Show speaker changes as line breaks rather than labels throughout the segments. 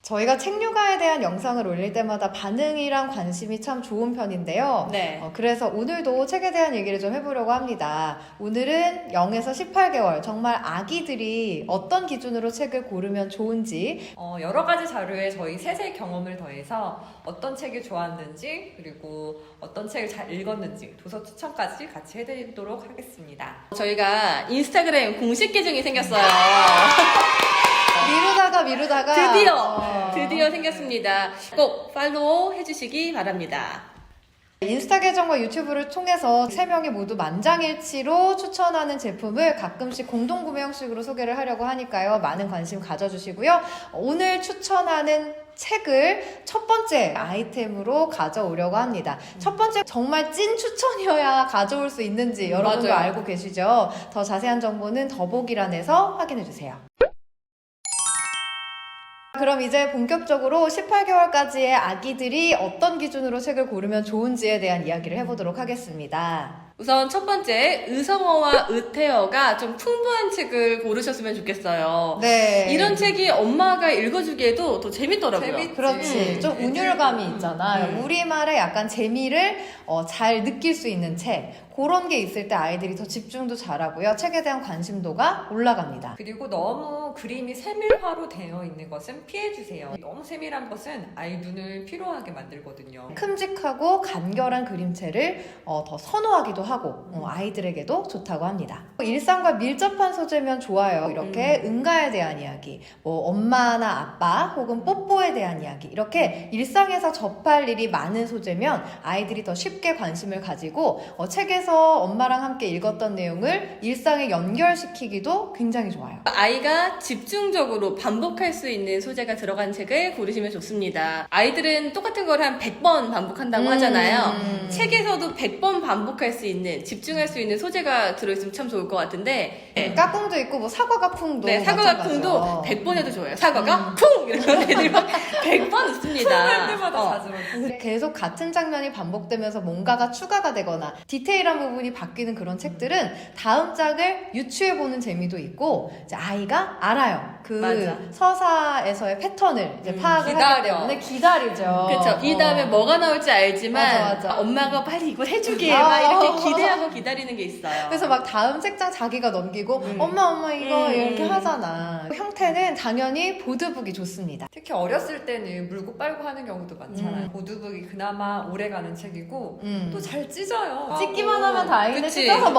저희가 책류가에 대한 영상을 올릴 때마다 반응이랑 관심이 참 좋은 편인데요.
네.
그래서 오늘도 책에 대한 얘기를 좀 해보려고 합니다. 오늘은 0에서 18개월 정말 아기들이 어떤 기준으로 책을 고르면 좋은지
여러 가지 자료에 저희 셋의 경험을 더해서 어떤 책이 좋았는지 그리고 어떤 책을 잘 읽었는지 도서 추천까지 같이 해드리도록 하겠습니다.
저희가 인스타그램 공식 계정이 생겼어요.
미루다가
드디어 생겼습니다. 꼭 팔로우 해주시기 바랍니다.
인스타 계정과 유튜브를 통해서 3명이 모두 만장일치로 추천하는 제품을 가끔씩 공동구매 형식으로 소개를 하려고 하니까요. 많은 관심 가져주시고요. 오늘 추천하는 책을 첫 번째 아이템으로 가져오려고 합니다. 첫 번째 정말 찐 추천이어야 가져올 수 있는지 여러분도
맞아요.
알고 계시죠? 더 자세한 정보는 더보기란에서 확인해주세요. 그럼 이제 본격적으로 18개월까지의 아기들이 어떤 기준으로 책을 고르면 좋은지에 대한 이야기를 해보도록 하겠습니다.
우선 첫 번째, 의성어와 의태어가 좀 풍부한 책을 고르셨으면 좋겠어요.
네.
이런 책이 엄마가 읽어주기에도 더 재밌더라고요.
그렇지. 좀 운율감이 있잖아.
음.
우리말의 약간 재미를 잘 느낄 수 있는 책. 그런 게 있을 때 아이들이 더 집중도 잘하고요. 책에 대한 관심도가 올라갑니다.
그리고 너무 그림이 세밀화로 되어 있는 것은 피해주세요. 너무 세밀한 것은 아이 눈을 피로하게 만들거든요.
큼직하고 간결한 그림체를 더 선호하기도 하고 아이들에게도 좋다고 합니다. 일상과 밀접한 소재면 좋아요. 이렇게 응가에 대한 이야기, 뭐 엄마나 아빠 혹은 뽀뽀에 대한 이야기, 이렇게 일상에서 접할 일이 많은 소재면 아이들이 더 쉽게 관심을 가지고 책에서 엄마랑 함께 읽었던 내용을 일상에 연결시키기도 굉장히 좋아요.
아이가 집중적으로 반복할 수 있는 소재가 들어간 책을 고르시면 좋습니다. 아이들은 똑같은 걸 한 100번 반복한다고 하잖아요. 책에서도 100번 반복할 수 있는, 집중할 수 있는 소재가 들어있으면 참 좋을 것 같은데
까꿍도 있고 뭐 사과가 쿵도
네, 사과가 쿵도 100번 해도 좋아요. 사과가 쿵! 이러면 애들이 막 100번 웃습니다.
할 때마다 자주 말
계속 같은 장면이 반복되면서 뭔가가 추가가 되거나 디테일한 부분이 바뀌는 그런 책들은 다음 장을 유추해보는 재미도 있고 이제 아이가 알아요. 그
맞아.
서사에서의 패턴을 이제 파악을 하기 때문에 기다리죠.
그렇죠. 이 다음에 뭐가 나올지 알지만
맞아.
엄마가 빨리 이걸 해주길 막 이렇게 기대하고 기다리는 게 있어요.
그래서 막 다음 책장 자기가 넘기고 엄마 이거 이렇게 하잖아. 형태는 당연히 보드북이 좋습니다.
특히 어렸을 때는 물고 빨고 하는 경우도 많잖아요. 보드북이 그나마 오래가는 책이고 또 잘 찢어요.
찢기만 하면 다행인데
그치.
찢어서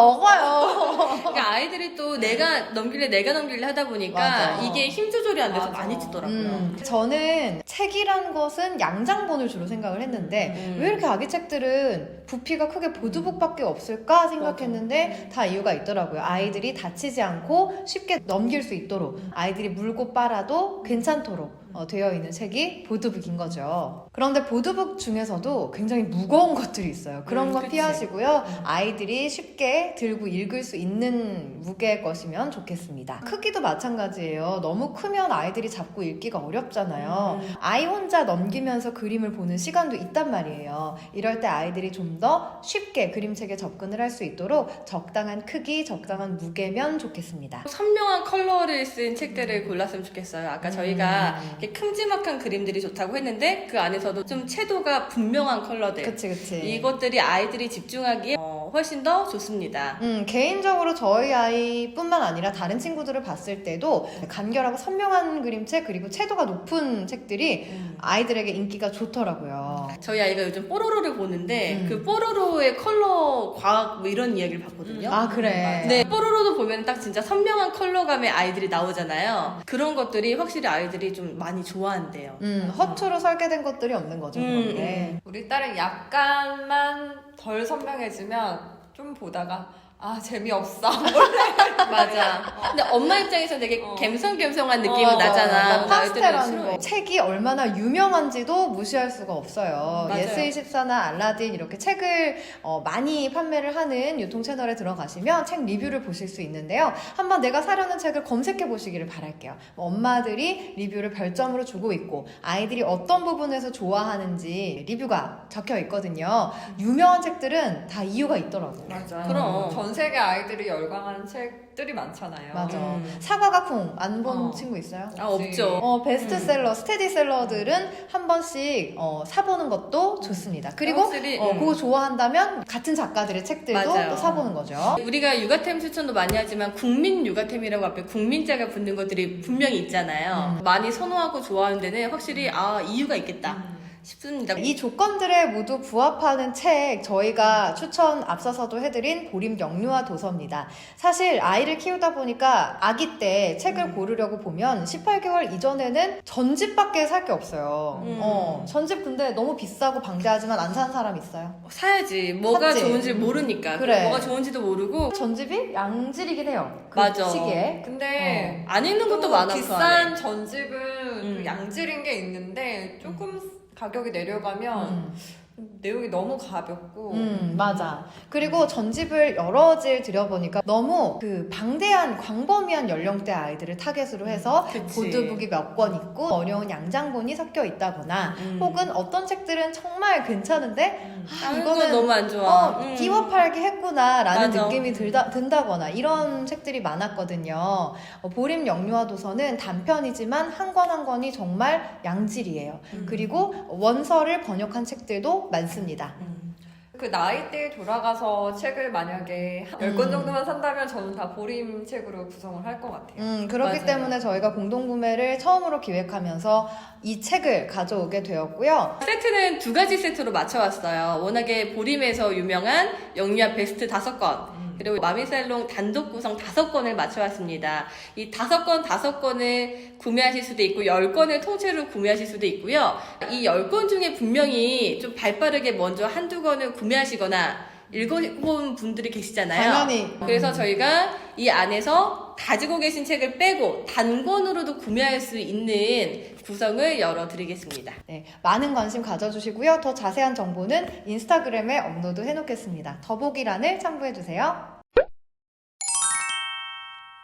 먹어요.
그러니까 아이들이 또 내가 넘길래 하다 보니까
맞아.
이게 힘 조절이 안 돼서
맞아.
많이 찢더라고요.
저는 책이란 것은 양장본을 주로 생각을 했는데 왜 이렇게 아기 책들은 부피가 크게 보드북밖에 없을까 생각했는데 다 이유가 있더라고요. 아이들이 다치지 않고 쉽게 넘길 수 있도록 아이들이 물고 빨아도 괜찮도록 되어 있는 책이 보드북인 거죠. 그런데 보드북 중에서도 굉장히 무거운 것들이 있어요. 그런 건
그치.
피하시고요. 아이들이 쉽게 들고 읽을 수 있는 무게의 것이면 좋겠습니다. 크기도 마찬가지예요. 너무 크면 아이들이 잡고 읽기가 어렵잖아요. 아이 혼자 넘기면서 그림을 보는 시간도 있단 말이에요. 이럴 때 아이들이 좀 더 쉽게 그림책에 접근을 할 수 있도록 적당한 크기, 적당한 무게면 좋겠습니다.
선명한 컬러를 쓴 책들을 골랐으면 좋겠어요. 아까 저희가 이렇게 큼지막한 그림들이 좋다고 했는데 그 안에서도 좀 채도가 분명한 컬러들,
그치.
이것들이 아이들이 집중하기에 훨씬 더 좋습니다.
개인적으로 저희 아이뿐만 아니라 다른 친구들을 봤을 때도 간결하고 선명한 그림책 그리고 채도가 높은 책들이 아이들에게 인기가 좋더라고요.
저희 아이가 요즘 뽀로로를 보는데 그 뽀로로의 컬러 과학 뭐 이런 이야기를 봤거든요.
아 그래.
네, 뽀로로도 보면 딱 진짜 선명한 컬러감의 아이들이 나오잖아요. 그런 것들이 확실히 아이들이 좀 많이 좋아한대요.
허투루 설계된 것들이 없는 거죠. 그런데.
우리 딸은 약간만 덜 선명해지면 좀 보다가 재미없어.
맞아. 근데 엄마 입장에서 되게 갬성갬성한 느낌이 나잖아.
파스텔한 거. 책이 얼마나 유명한지도 무시할 수가 없어요.
맞아요.
예스24나 알라딘 이렇게 책을 많이 판매를 하는 유통 채널에 들어가시면 책 리뷰를 보실 수 있는데요. 한번 내가 사려는 책을 검색해 보시기를 바랄게요. 엄마들이 리뷰를 별점으로 주고 있고 아이들이 어떤 부분에서 좋아하는지 리뷰가 적혀 있거든요. 유명한 책들은 다 이유가 있더라고요.
맞아.
그럼.
전 세계 아이들이 열광하는 책들이 많잖아요.
맞아.
음.
사과가 쿵 안 본
어.
친구 있어요?
아, 없죠.
베스트셀러, 스테디셀러들은 한 번씩 사보는 것도 좋습니다. 그리고
확실히,
그거 좋아한다면 같은 작가들의 책들도
맞아요.
또 사보는 거죠.
우리가 육아템 추천도 많이 하지만 국민 육아템이라고 앞에 국민자가 붙는 것들이 분명히 있잖아요. 많이 선호하고 좋아하는 데는 확실히 이유가 있겠다 싶습니다.
이 조건들에 모두 부합하는 책 저희가 추천 앞서서도 해드린 보림 영유아 도서입니다. 사실 아이를 키우다 보니까 아기 때 책을 고르려고 보면 18개월 이전에는 전집밖에 살 게 없어요. 전집 근데 너무 비싸고 방대하지만 안 사는 사람 있어요.
사야지. 뭐가
샀지?
좋은지 모르니까.
그래.
뭐가 좋은지도 모르고
전집이 양질이긴 해요. 그
맞아.
시기에.
근데
안 읽는 것도
또
많아. 그
비싼
안에.
전집은 양질인 게 있는데 조금 가격이 내려가면 내용이 너무 가볍고
맞아. 그리고 전집을 여러 질 들여보니까 너무 그 방대한 광범위한 연령대 아이들을 타겟으로 해서
그치.
보드북이 몇 권 있고 어려운 양장본이 섞여 있다거나 혹은 어떤 책들은 정말 괜찮은데
이거는 너무 안 좋아.
띄워팔기 했구나라는
맞아.
느낌이 든다거나 이런 책들이 많았거든요. 보림 영유아 도서는 단편이지만 한 권 한 권이 정말 양질이에요. 그리고 원서를 번역한 책들도 많습니다.
그 나이대에 돌아가서 책을 만약에 10권 정도만 산다면 저는 다 보림 책으로 구성을 할 것 같아요.
그렇기
맞아요.
때문에 저희가 공동구매를 처음으로 기획하면서 이 책을 가져오게 되었고요.
세트는 2가지 세트로 맞춰왔어요. 워낙에 보림에서 유명한 영유아 베스트 5권. 그리고 마미살롱 단독 구성 5권을 맞춰왔습니다. 이 5권을 구매하실 수도 있고 10권을 통째로 구매하실 수도 있고요. 이 10권 중에 분명히 좀 발빠르게 먼저 한두 권을 구매하시거나 읽어본 분들이 계시잖아요.
당연히.
그래서 저희가 이 안에서 가지고 계신 책을 빼고 단권으로도 구매할 수 있는 구성을 열어드리겠습니다.
네, 많은 관심 가져주시고요. 더 자세한 정보는 인스타그램에 업로드 해놓겠습니다. 더보기란을 참고해주세요.